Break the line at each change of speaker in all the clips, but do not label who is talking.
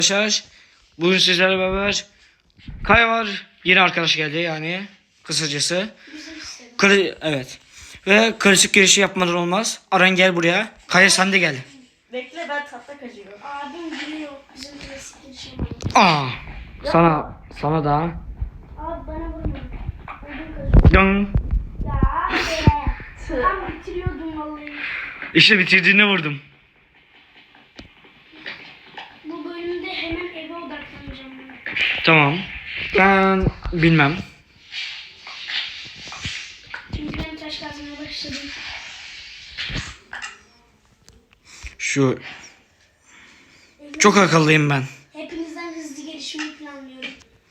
Arkadaşlar bugün sizlerle beraber Kaya var, yeni arkadaş geldi yani kısacası. Evet. Ve karışık girişi yapmadan olmaz. Aran gel buraya. Kaya sen de gel.
Bekle, ben tatlı kaçıyorum.
Abim biliyor bizim klasik girişim.
Sana da.
Abi bana vurma. Ödüm kaçıyor.
Yan.
Ya abi. Tam bitiriyordum vallahi.
İşte bitirdiğini vurdum.
Bu bölümde hemen eve odaklanacağım ben.
Tamam. Ben bilmem.
Çünkü ben taş kazmaya başladım.
Şu çok akıllıyım ben.
Hepinizden hızlı gelişimi planlıyorum.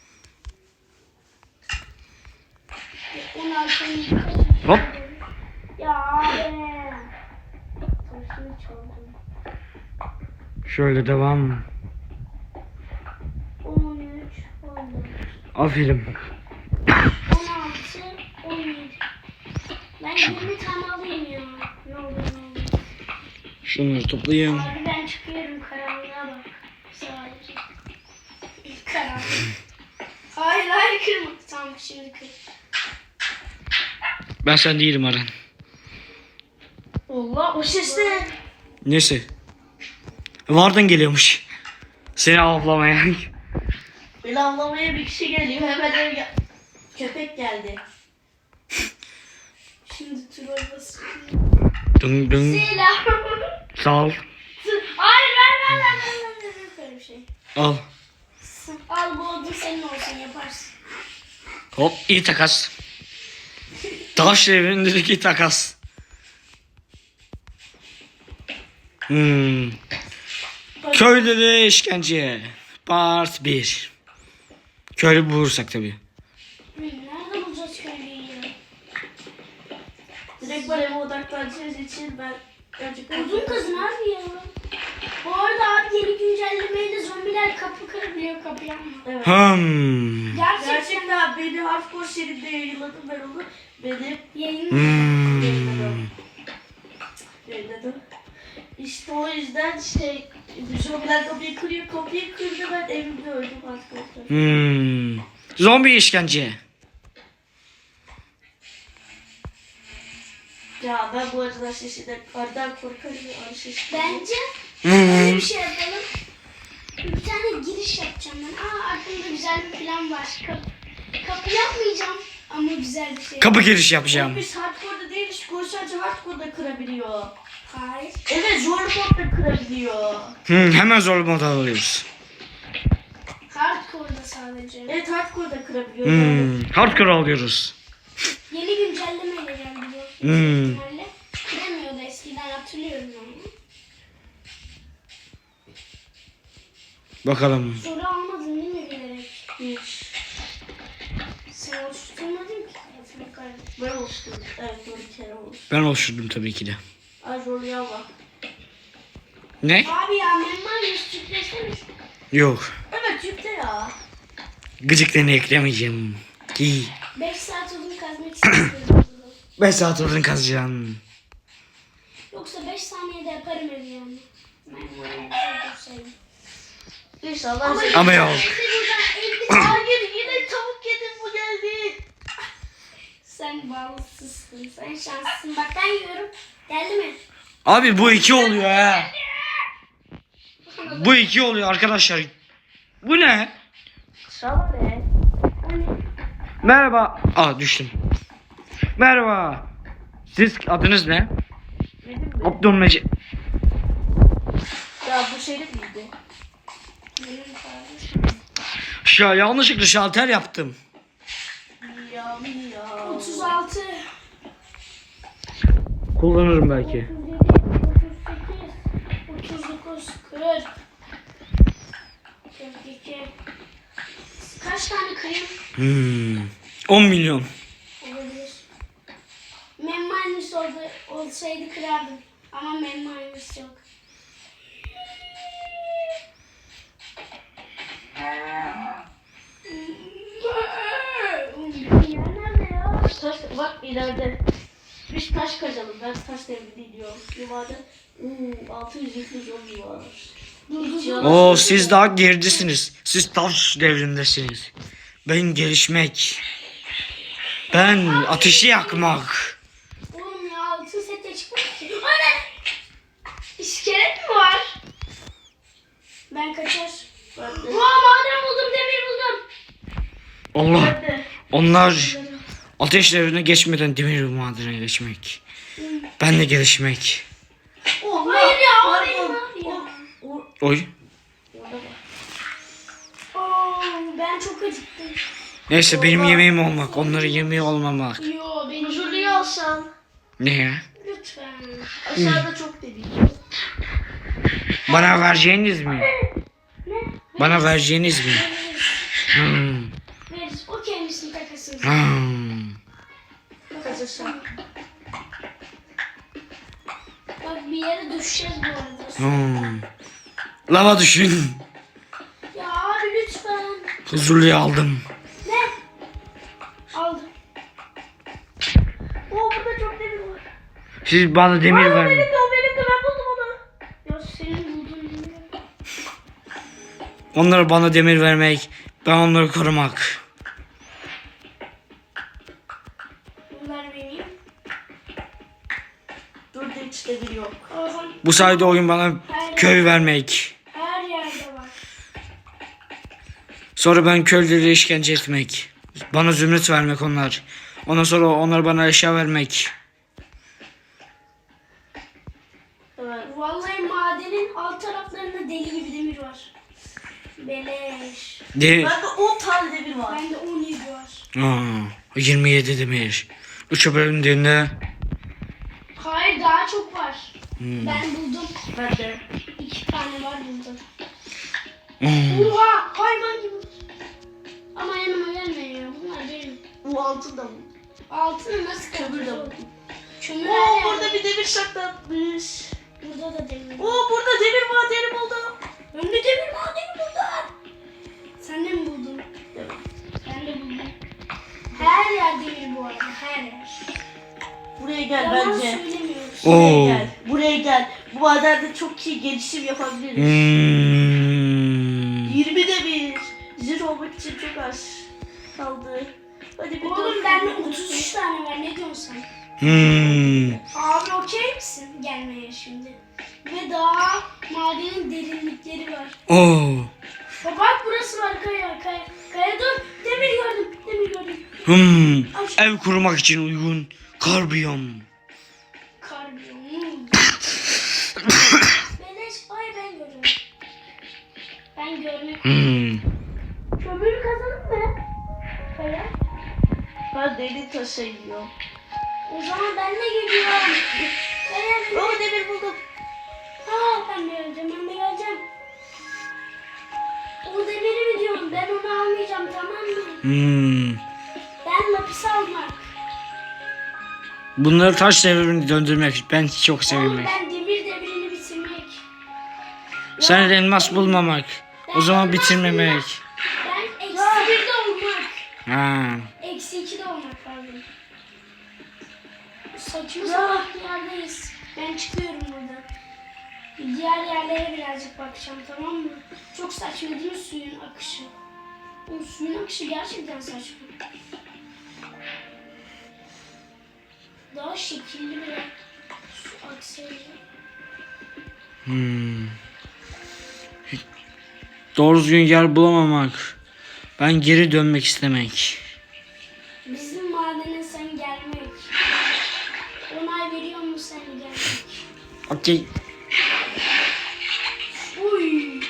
16.
Hop.
Ya abi. Taşını çaldım.
Şöyle devam.
13, 14,
Aferin.
16, 17. Ben 20 tane alayım ya. Ne olur ne olur.
Şunları toplayayım.
Abi ben çıkıyorum, karanlığa bak. Sadece. Karanlık. Hayır kırma. Tamam şimdi kır.
Ben sen değilim Aran.
Allah, o ses ne?
Neyse. Vardan geliyormuş. Seni avlamaya.
Beni avlamaya bir kişi geliyor, hemen eve gel. Köpek geldi.
Şimdi troll basıyorum.
Dın dın.
Selam.
Sağ ol.
Hayır ver. Böyle bir şey.
Al.
Al bu odun senin olsun, yaparsın.
Hop, iyi takas. Taş devrindeki takas. Köylere işkence. Part 1. Köylü bulursak tabii.
Nerede bulacağız köylüyü ya?
Direkt bana eve odaklanacağız için ben gerçekten...
Odun kazın abi ya. Bu arada abi yeni güncellemeyle zombiler kapı kırabiliyor, kapı yapma.
Evet.
Gerçekten
Beni hardcore seride yayınladım ben onu. Benim
yayın.
yayınladım. İşte o yüzden zombiler kapıyı kırıyor, kapıyı kırdı, ben evimde öldüm arkadaşlar.
Zombi işkence.
Ya ben bu arada arıdan korkarım ya, arı sesi.
Bence böyle bir şey yapalım. Bir tane giriş yapacağım ben. Aklımda güzel bir plan var. Kapı yapmayacağım ama güzel bir şey.
Kapı giriş yapacağım.
Biz hardcore'da değiliz, sadece hardcore'da kırabiliyor.
Hayır.
Evet, zorlu modda kırabiliyor.
Hemen zor moda alıyoruz.
Hardcore'da sadece.
Evet, hardcore'da kırabiliyor.
Hardcore alıyoruz.
Yeni güncellemeyle geldi bu. İhtimalle. Kıramıyordu eskiden, hatırlıyorum ben.
Bakalım.
Soru almadın değil mi bilerek?
Hiç.
Sen oluşturmadın ki tarafını kardeşim.
Ben oluştum. Evet, doğru kere oluştum.
Ben oluşturdum tabii ki de.
Ay zorluya bak.
Ne?
Abi ya memman yüzsüzleşmemiş.
Yok.
Evet, yükle ya.
Gıcıklığını eklemeyeceğim. Ki
5 saat odun kazmak istiyorum.
5 saat odun kazacağım.
Yoksa 5 saniyede yaparım evi yani. Ben
İnşallah.
Ama yok.
Hayır, yine tavuk yedim, bu geldi.
Sen bağlısızsın. Sen şanslısın. Bak ben yiyorum. Geldi mi?
Abi bu 2 oluyor ha. Bu 2 oluyor arkadaşlar. Bu ne?
Şama ne?
Hani
Merhaba. Düştüm. Merhaba. Siz adınız ne?
Benim mi?
Abdülmecid.
Ya bu şeyde miydi?
benim kardeşim.
Yanlışlıkla şalter yaptım.
Ya.
36.
Kullanırım belki.
38. 39. 40. 42. Kaç tane kırayım?
10 milyon.
Olabilir. Memmanus olsaydı kırardım. Ama memmanus yok. Ya nerede ya?
Taş, bak ileride. Biz taş kazalım. Ben taş devri diyorum. Yuvada 600 zombi var.
Oo, siz daha geridesiniz. Siz taş devrindesiniz. Ben gelişmek. Ben ateşi yakmak.
Oğlum ya altın sete çıkmış ki. O ne? İskelet mi var? Ben kaçar. Maden buldum, demir buldum.
Allah.
Hadi.
Onlar ateş devrine geçmeden demir madene geçmek. Ben de gelişmek.
Oh,
Hayır ya, o
pardon.
benim abi ya.
Oy.
Oo, ben çok acıktım.
Neyse benim yemeğim olmak. Onların yemeği olmamak.
Yo, benim
Huzurluyu alsam.
Ne ya?
lütfen.
Aşağıda çok dedik.
Bana vereceğiniz mi?
Ne?
Bana vereceğiniz mi? Hmm.
Veririz. O kendisinin takasını.
Hmm.
Kazasam.
Bak bir yere düşeceğiz bu arada.
Hmm. Lava düşün.
Ya abi lütfen.
Huzurluyu aldım.
Ne? Aldım.
Burada çok demir var.
Siz bana demir
Benim
verin.
de o, benim de, ben buldum onu.
Ya senin bulduğun bilmiyorum.
Onlara bana demir vermek. Ben onları korumak.
Bunlar benim.
Dur da hiç demir yok.
Oha,
Bu sayede oyun bana köy vermek.
her yerde var.
Sonra ben köylere işkence etmek. Bana zümrüt vermek onlar. Ondan sonra onlar bana eşya vermek.
Evet.
Vallahi madenin alt taraflarında deli gibi demir var. Beleş.
De
Bende 10 tane demir var.
Bende 17 var.
Aa, 27 demir. 3'e bölündüğünde
Hayır, daha çok var.
Hmm.
Ben buldum.
Ben de.
2 tane var buldum.
Hmm.
Oha, hayvan gibi. Ama yanıma gelmeyin ya. Bunlar benim.
Bu altın da bu.
Altını nasıl
Kömür de
kıracağız?
buldum.
Kömür
Oo,
her
burada
yerde.
bir demir saklanmış.
Burada da demir.
Oo, burada demir madeni buldum.
Ben de demir madeni buldum. Sen de mi buldun?
Evet.
Ben de buldum. Her yer demir bu arada, her yer.
Buraya gel
Yalan
bence.
söylemiyoruz.
Oo.
Buraya gel. Buraya gel. Bu madende çok iyi gelişim yapabiliriz.
Hmm.
20 demir. Zırh olmak için çok az kaldı. Hadi bir
Oğlum
dört
bende
demir.
33 tane var, ne diyorsun sen?
Hmm.
Abi okey misin gelmeye şimdi? Ve daha madenin derinlikleri var.
Oo.
Bak burası var, kaya. Kaya dur, demir gördüm.
Hmm. Ev kurmak için uygun kar biyom.
Karbon. Beleş, ay ben görüyorum. Ben görmek.
Hmm.
Kömür kazanım mı? Kaya.
Ben deli taşa yiyorum.
O zaman ben de geliyorum. Kaya.
Oo, demir buldum.
Ben de geleceğim. O demiri mi diyorum? Ben onu almayacağım, tamam mı?
Hmm.
Ben lapis almak.
Bunları taş devrini döndürmek ben çok
Oğlum
sevinmek.
ben demir devrini bitirmek.
Sen elmas bulmamak. O zaman
elmas
bitirmemek.
bulmak. Ben eksi 1'de olmak.
Ha.
Eksi 2'de olmak pardon. Saçma sapan bir yerdeyiz. Ben çıkıyorum buradan. Diğer yerlere birazcık bakacağım, tamam mı? Çok saçma değil mi suyun akışı? O suyun akışı gerçekten saçma. Daha şekilli bir su aksaydı.
Hmm. Doğru düzgün yer bulamamak. Ben geri dönmek istemek.
Bizim madene sen gelmek. Onay veriyor mu sen gelmek?
Okey.
Uy.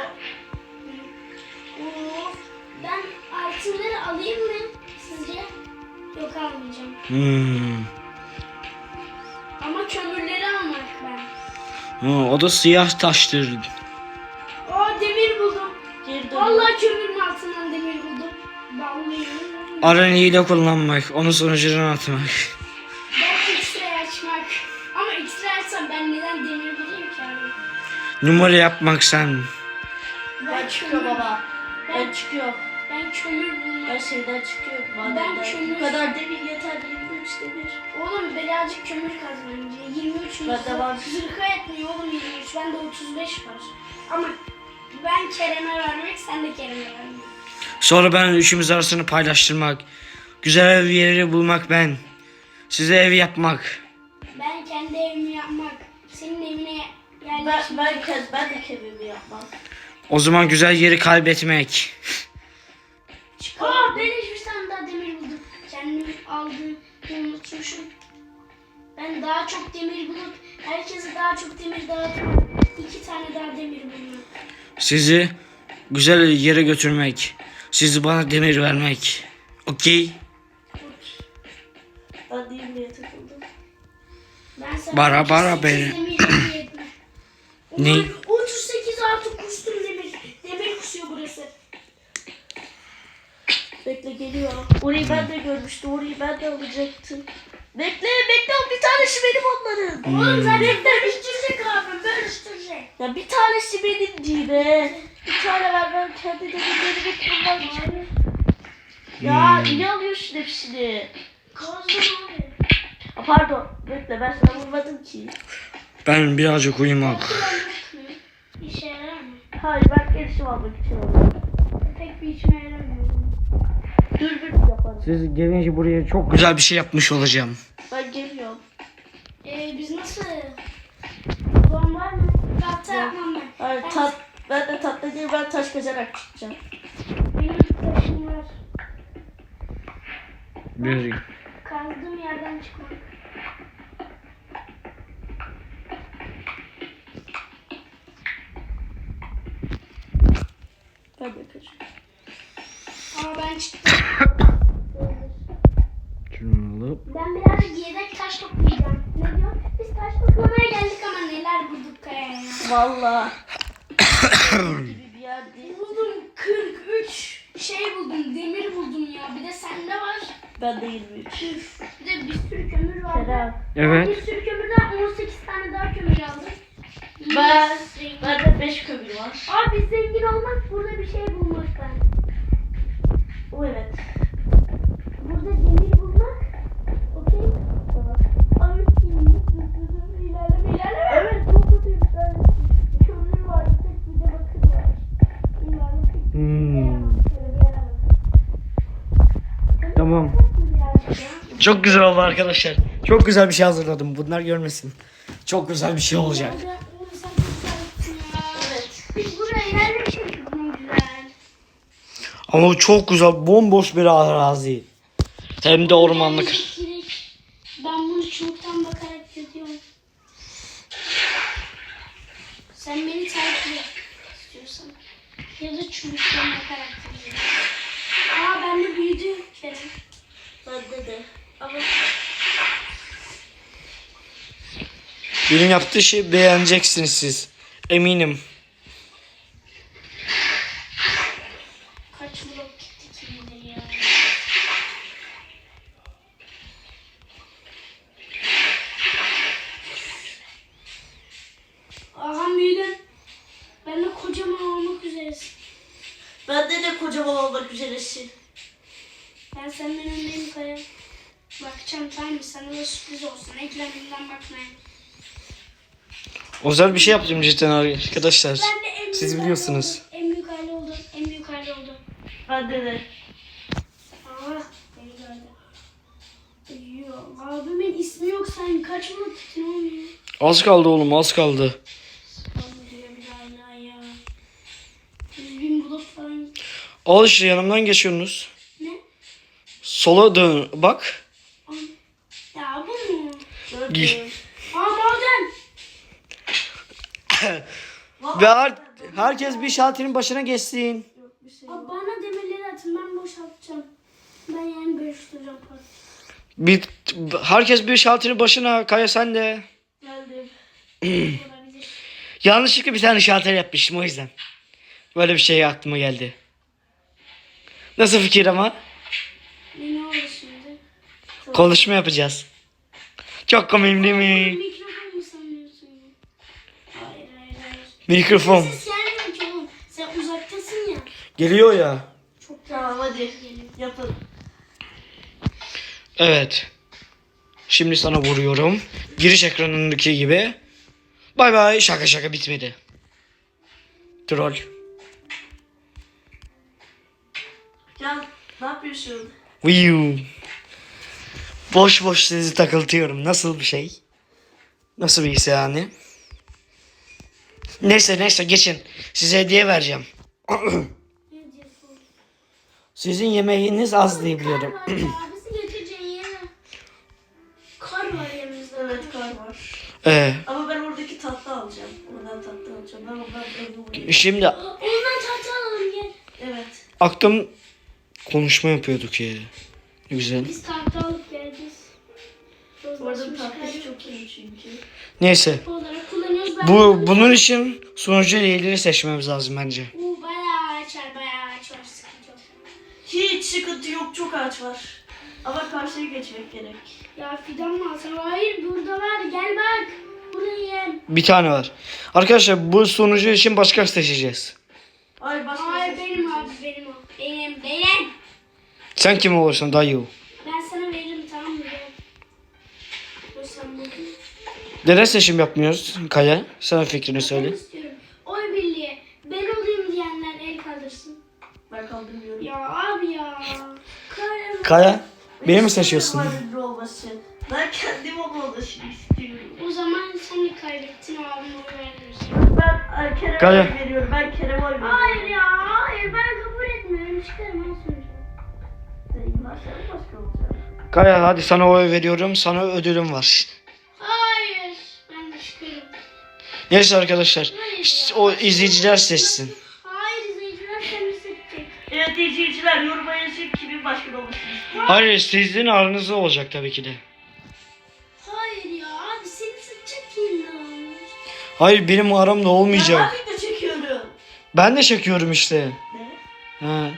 Ben altınları alayım mı sizce? Yok, almayacağım.
Hmm.
Ama kömürleri almak ben.
Ha, o da siyah taştır.
Demir buldum.
Geri dön.
Vallahi kömürün altından demir buldum. Vallahi.
Aranıyı da kullanmak. Onu sonucuna atmak.
Ben X-ray açmak. Ama X-ray açsam ben neden demir bulayım ki abi?
Numara yapmak sen.
Ben çıkıyor baba. Ben çıkıyor.
Ben kömür bulmak.
Ben şeyden çıkıyorum.
Ben
Madenden.
kömür-
Bu kadar demir yeter. 23 demir.
Oğlum birazcık kömür kazanınca 23
Ben de var.
Zırha etmiyor oğlum 23. Bende 35 var. Ama ben Kerem'e vermek, sen de Kerem'e vermek.
Sonra ben üçümüz arasını paylaştırmak. Güzel bir yeri bulmak ben. Size ev yapmak.
Ben kendi evimi yapmak, senin evine
Ben de kemimi yapmam.
O zaman güzel yeri kaybetmek.
Aa, ben hiçbir tane daha demir buldum. Kendim aldığımı unutmuşum. Ben daha çok demir bulup herkese daha çok demir dağıtmak. 2 tane daha demir bulmak.
Sizi güzel yere götürmek. Sizi bana demir vermek. Okey?
Ben değil diye takıldım.
Ben sana
Bara
38
bara be.
demir yedim.
Ne?
Ulan 38 artı kustum demir. Demir kusuyor burası.
Bekle geliyor. Orayı ben de görmüştüm. Orayı ben de alacaktım. Bekle bir tanesi benim onların.
Oğlum zaten bölüştürecek abi, bölüştürecek.
Ya bir tanesi benim değil be. Bir tane ver ben kendi demirlerimi kırmak için. Ya ne alıyorsun hepsini?
Kazdım abi.
Ha, pardon. Bekle ben sana vurmadım ki.
Ben birazcık uyumak.
Kullanmak mı? İşe yarar mı?
Hayır ben gelişim almak için aldım.
Pek bir işime yaramıyor.
Dürbün yaparım.
Siz gelince buraya çok güzel bir şey yapmış olacağım.
Ben geliyorum.
Biz nasıl? Babam var mı? Tahta yapmam ben.
Hayır ben de tatlı değil ben taş kazarak çıkacağım.
Benim taşım var.
Bir
Kazdığım yerden çıkmak.
Ben de kaçıyorum.
Ama ben çıktım.
şunu alıp
Ben birazcık yedek taş toplayacağım. Ne diyor? Biz taş toplamaya geldik ama neler bulduk kayaya.
Valla. gibi bir yer değil.
Buldum 43 şey buldum, demir buldum ya. Bir de sende var.
Ben de 23.
Bir de bir sürü kömür var.
Kerem.
Evet.
Bir sürü kömürden 18 tane daha kömür aldım.
Ben de 5 kömür var.
Abi biz zengin olmak burada bir şey bulmaktan.
O evet.
Burada demir bulmak. Okey. Abi ilerleme.
Evet çok kötü bir tane.
Kömür var. Bir de bakır var. İlerleme.
Tamam. Çok güzel oldu arkadaşlar. Çok güzel bir şey hazırladım. Bunlar görmesin. Çok güzel bir şey olacak.
Evet.
Biz buraya yerleştirdik ne güzel.
Ama bu çok güzel. Bomboş bir arazi. Hem de ormanlık.
Elektrik. Ben bunu çubuktan bakarak yapıyorum. Sen beni takip et istiyorsan. Ya da çubuktan bakarak yapıyorum. Aa bende büyüdü Kerem.
Bende de. Ama
Benim yaptığı şeyi beğeneceksiniz siz. Eminim.
Kaç blok gitti kim bilir ya. Aha büyüdün. Ben de kocaman olmak üzeresin.
bende de kocaman olmak üzeresin.
Ben senden öndeyim Kaya. Bakacağım tamam mı? Sana da sürpriz olsun. Ekranından bakmaya.
Özel bir şey yaptım cidden arkadaşlar.
Ben de en büyük
Siz
aile
biliyorsunuz.
oldum. En büyük aile oldu. En büyük aile oldu.
Bende de.
Aa, beni gördü. Yok, abimin ismi yok. Sen kaç blok gittin oğlum ya?
Az kaldı oğlum, az kaldı.
Abi diyor bir daha hala ya. 100.000 blok falan gitti.
Al işte, yanımdan geçiyorsunuz.
Ne?
Sola dön bak.
Ya bu mu?
Gördüm.
Aa maden.
Ve herkes bir şalterin başına geçsin.
Bir şey
Abi bana demirleri atın. Ben boşaltacağım. Ben yani bölüştüreceğim parçayı.
Herkes bir şalterin başına. Kaya sen de.
geldim.
Olabilir.
Yanlışlıkla bir tane şalter yapmışım o yüzden. Böyle bir şey aklıma geldi. Nasıl fikir ama?
Ne oldu şimdi?
Konuşma yapacağız. Çok komik değil mi?
Mikrofon mu sanıyorsun ya? Hayır.
Mikrofon.
Ses gelmiyor ki oğlum. Sen uzaktasın ya.
Geliyor ya.
Çok
Tamam hadi yapalım.
Evet. Şimdi sana vuruyorum. Giriş ekranındaki gibi. Bay bay. Şaka şaka bitmedi. Troll.
Can ne yapıyorsun?
Viu. Boş boş sizi takıltıyorum. Nasıl bir şey? Nasıl bir his yani? Neyse geçin. Size hediye vereceğim. Sizin yemeğiniz az diye biliyorum.
Kar var ya. Bizi götüreceğin yere. Kar var yanımızda.
Evet kar var. Ama ben oradaki tatlı alacağım. Oradan tatlı alacağım. Ben ondan evde uyuyayım.
Şimdi
Ondan tahta alalım gel.
Evet.
aklım konuşma yapıyorduk ya. Ne güzel.
Biz tahta alıp geleceğiz.
Orada tatlı çok iyi çünkü.
Neyse.
Olarak kullanıyoruz.
Bunun için sunucu üyeleri seçmemiz lazım bence.
Bayağı ağaç var, bayağı ağaç var. Sıkıntı yok.
Hiç sıkıntı yok, çok ağaç var. Ama karşıya geçmek gerek.
Ya fidan mı alsam? Hayır burada var. Gel bak. Burayı.
Bir tane var. Arkadaşlar bu sunucu için başka seçeceğiz.
Ay başka
Hayır
şey
benim abi
seçeceğiz.
benim o. Benim.
Sen kim olursun dayı?
Ben sana veririm tamam mı? Gel. O sen bunu.
Neden seçim yapmıyoruz Kaya? Sana fikrini
Ben
söyle.
istiyorum. Oy birliği. Ben olayım diyenler el kaldırsın.
Ben kaldırmıyorum.
Ya abi ya. Kar.
Kaya beni mi
İstiyorum
seçiyorsun?
ayrıca olması. Ben kendim olmasını istiyorum.
O zaman sen de kaybettin abim oy vermiyorsun.
Ben Kerem'e
Kaya.
oy veriyorum. Ben Kerem'e oy veriyorum.
Hayır ya. Hayır ben kabul etmiyorum. Çıkarım en sonucu.
Bunlar senin başka olacak.
Kaya hadi sana oy veriyorum. Sana ödülüm var.
Hayır. Ben de çıkarım.
Neyse arkadaşlar.
Hayır ya.
O izleyiciler seçsin.
Hayır izleyiciler seni seçecek.
Evet izleyiciler yoruma yazın kimin başkan olmasını istiyor.
Hayır sizin aranızda olacak tabii ki de.
Hayır ya abi seni seçecek kim olmuş?
Hayır benim aramda olmayacak.
Ben de çekiyorum.
Ben de çekiyorum işte.
Ne?
Ha.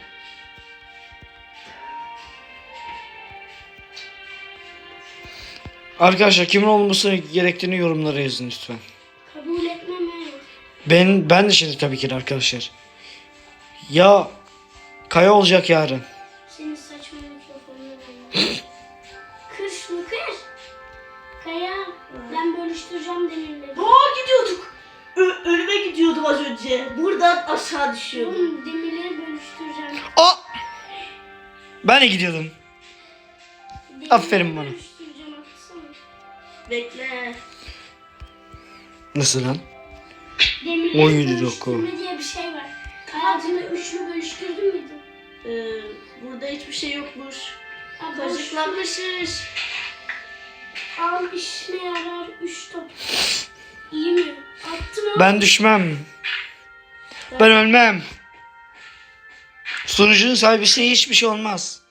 Arkadaşlar kimin olması gerektiğini yorumlara yazın lütfen.
Kabul etmem he.
Ben de şimdi tabii ki de arkadaşlar. Ya Kaya olacak yarın.
Senin saçma mikrofonunu ben. Kır şunu kır. Kaya ben bölüştüreceğim demirleri.
Gidiyorduk. Ölüme gidiyordum az önce. Buradan aşağı düşüyordum.
Oğlum demirleri bölüştüreceğim.
Aa! Ben de gidiyordum.
Demirleri
Aferin bana.
Bölüştüreceğim atsana.
Bekle.
Nasıl lan?
Demirleri
17 dakika.
bölüştürme diye bir şey var. Hayatında üçlü bölüştürdün müydü?
Burada hiçbir şey yokmuş.
Ha,
Kazıklanmışız.
Al işine yarar 3 top. İyi mi? Attım o.
Ben düşmem. Ben ölmem. Sunucunun sahibisi hiçbir şey olmaz.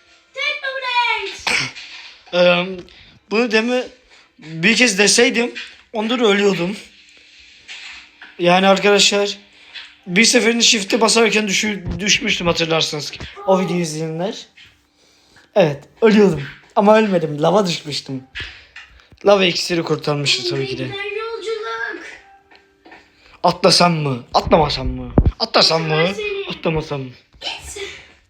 Teknoblade.
Bunu bir kez deseydim ondan ölüyordum. Yani arkadaşlar bir seferinde shift'e basarken düşmüştüm hatırlarsınız ki. O videoyu izleyenler. Evet ölüyordum ama ölmedim. Lava düşmüştüm. Lava iksiri kurtarmıştı tabii ki de.
Giden yolculuk.
Atlasam mı? Atlamasam mı? Atlasam mı? Atlamasam mı?
Gitsin.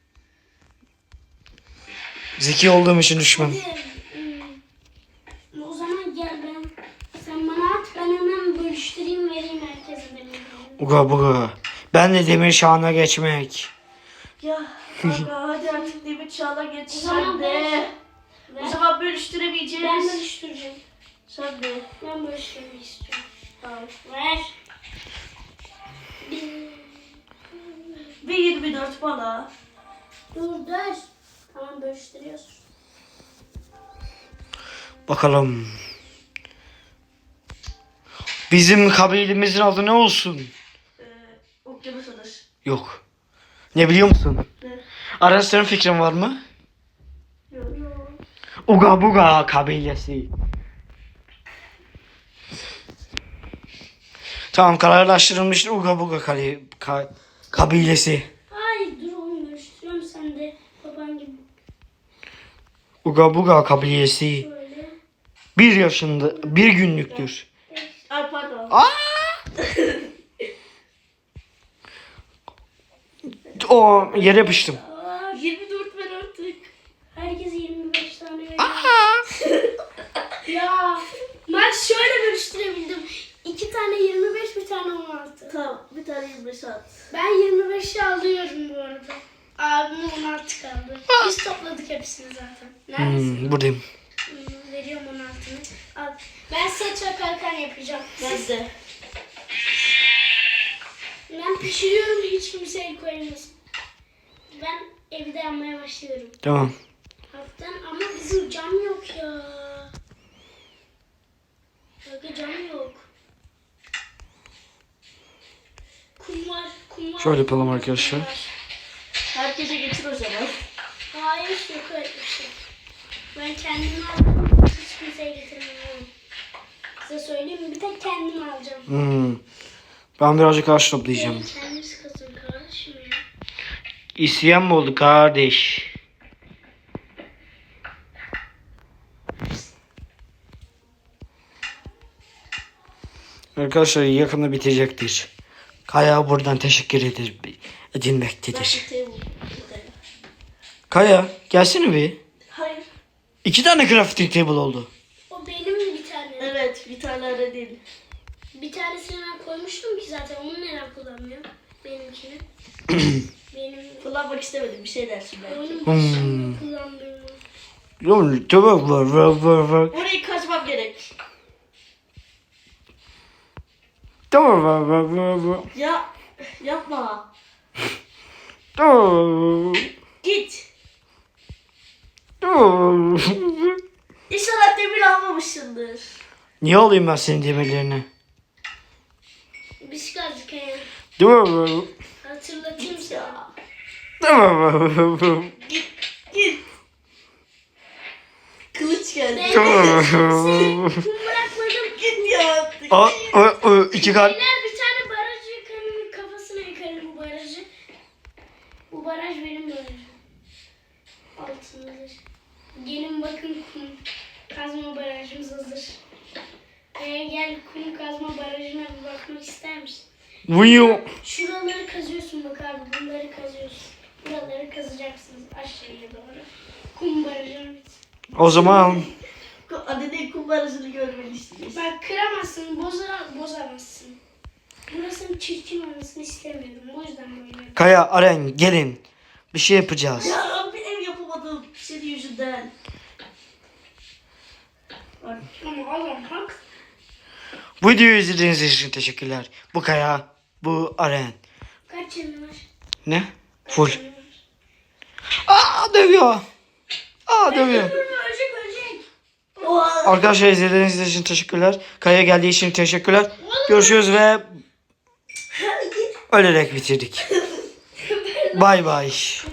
Zeki olduğum için düşmem.
O zaman gel ben. Sen bana at ben hemen bölüştüreyim vereyim herkese demirleri.
Uga buga. Ben de demir şahına geçmek.
Ya kanka hadi artık demir çağına geç
O zaman
sen de.
Ver.
O zaman bölüştüremeyeceğiz.
Ben bölüştüreceğim.
Sen de.
Ben bölüştürmek istiyorum.
Tamam.
Ver.
Bir 24 bana.
Dur. Tamam bölüştürüyorsun.
Bakalım. Bizim kabilemizin adı ne olsun?
Okyanus adası.
Yok. Ne biliyor musun?
Ne?
Aras senin fikrin var mı?
Yok.
Uga buga kabilesi. Tamam kararlaştırılmıştır Uga buga kabilesi.
Hayır dur oğlum bölüştürüyorum sen de baban gibi
Uga buga kabilesi.
böyle.
1 yaşında, 1 günlüktür.
Ay pardon.
O yere yapıştım.
24 ver artık.
Herkese 25 tane veriyorum. Ya maç şöyle bölüştürebildim. 2 tane 25, bir tane 16.
Tamam bir tane 25 at.
Ben 25'i alıyorum bu arada. Abimin 16 kaldı. Biz topladık hepsini zaten. Neredesin?
Buradayım.
Veriyorum 16'nı. Al. Ben saç ve kalkan yapacağım.
Ben de.
Ben pişiriyorum, hiç kimse el koymasın. Ben evde yanmaya başlıyorum.
Tamam.
Haftan ama bizim cam yok ya. Bakın cam yok. Kum var, kum var.
Şöyle yapalım arkadaşlar.
Kum var.
Herkese getir o zaman.
Hayır, yok öyle bir şey. Ben kendimi aldım, hiç kimseye getirmem. Size söyleyeyim mi? Bir tek kendimi alacağım.
Ben birazcık ağaç toplayacağım.
Kendiniz kazın kardeşim ya.
İsyan mı oldu kardeş? Arkadaşlar yakında bitecektir. Kaya buradan teşekkür edilmektedir.
Table.
Kaya gelsene bir.
Hayır.
2 tane crafting table oldu.
O benim bir tane.
Evet bir tane öyle değil.
Bir tanesini ben koymuştum ki zaten. Onu neden kullanmıyorum? Benimkini. Benim
Kullanmak istemedim bir şey dersin belki.
oyunun başında kullandığım.
Oğlum tamam var.
Orayı kazmam gerek.
Tamam var.
Ya yapma.
Tamam.
Git.
Tamam.
İnşallah demir almamışsındır.
Niye alayım ben senin demirlerini?
Biz kazdık yani.
Tamam.
Hatırlatayım sana.
Tamam.
Git. Kılıç geldi.
Tamam.
Kum bırakmadım.
Git ya.
O 2 kalp.
Beyler bir tane barajı yıkarım. Kafasına yıkarım bu barajı. Bu baraj benim barajım. Altındadır. Gelin bakın kum kazma barajımız hazır. Gel kum kazma barajına bir bakmak ister misin?
Vuyu.
Şuraları kazıyorsun bak abi. Bunları kazıyorsun. Buraları kazacaksınız aşağıya doğru. Kum barajı.
O zaman
Annenin kumbarasını görmeni istiyorsun.
Bak kıramazsın, bozamazsın. Burasının çirkin olmasını istemiyorum. O yüzden böyle.
Kaya, Aren gelin. Bir şey yapacağız.
Ya bir ev yapamadım senin yüzünden. Bak.
Ama adam hak.
Bu videoyu izlediğiniz için teşekkürler. Bu Kaya, bu Aren.
Kaç yanı var?
Ne? Full.
Kaç yanı var?
Dövüyor. Dövüyor.
Ölecek.
Oha.
Arkadaşlar izlediğiniz için teşekkürler. Kaya geldiği için teşekkürler. Görüşürüz ve ölerek bitirdik. Bay bay.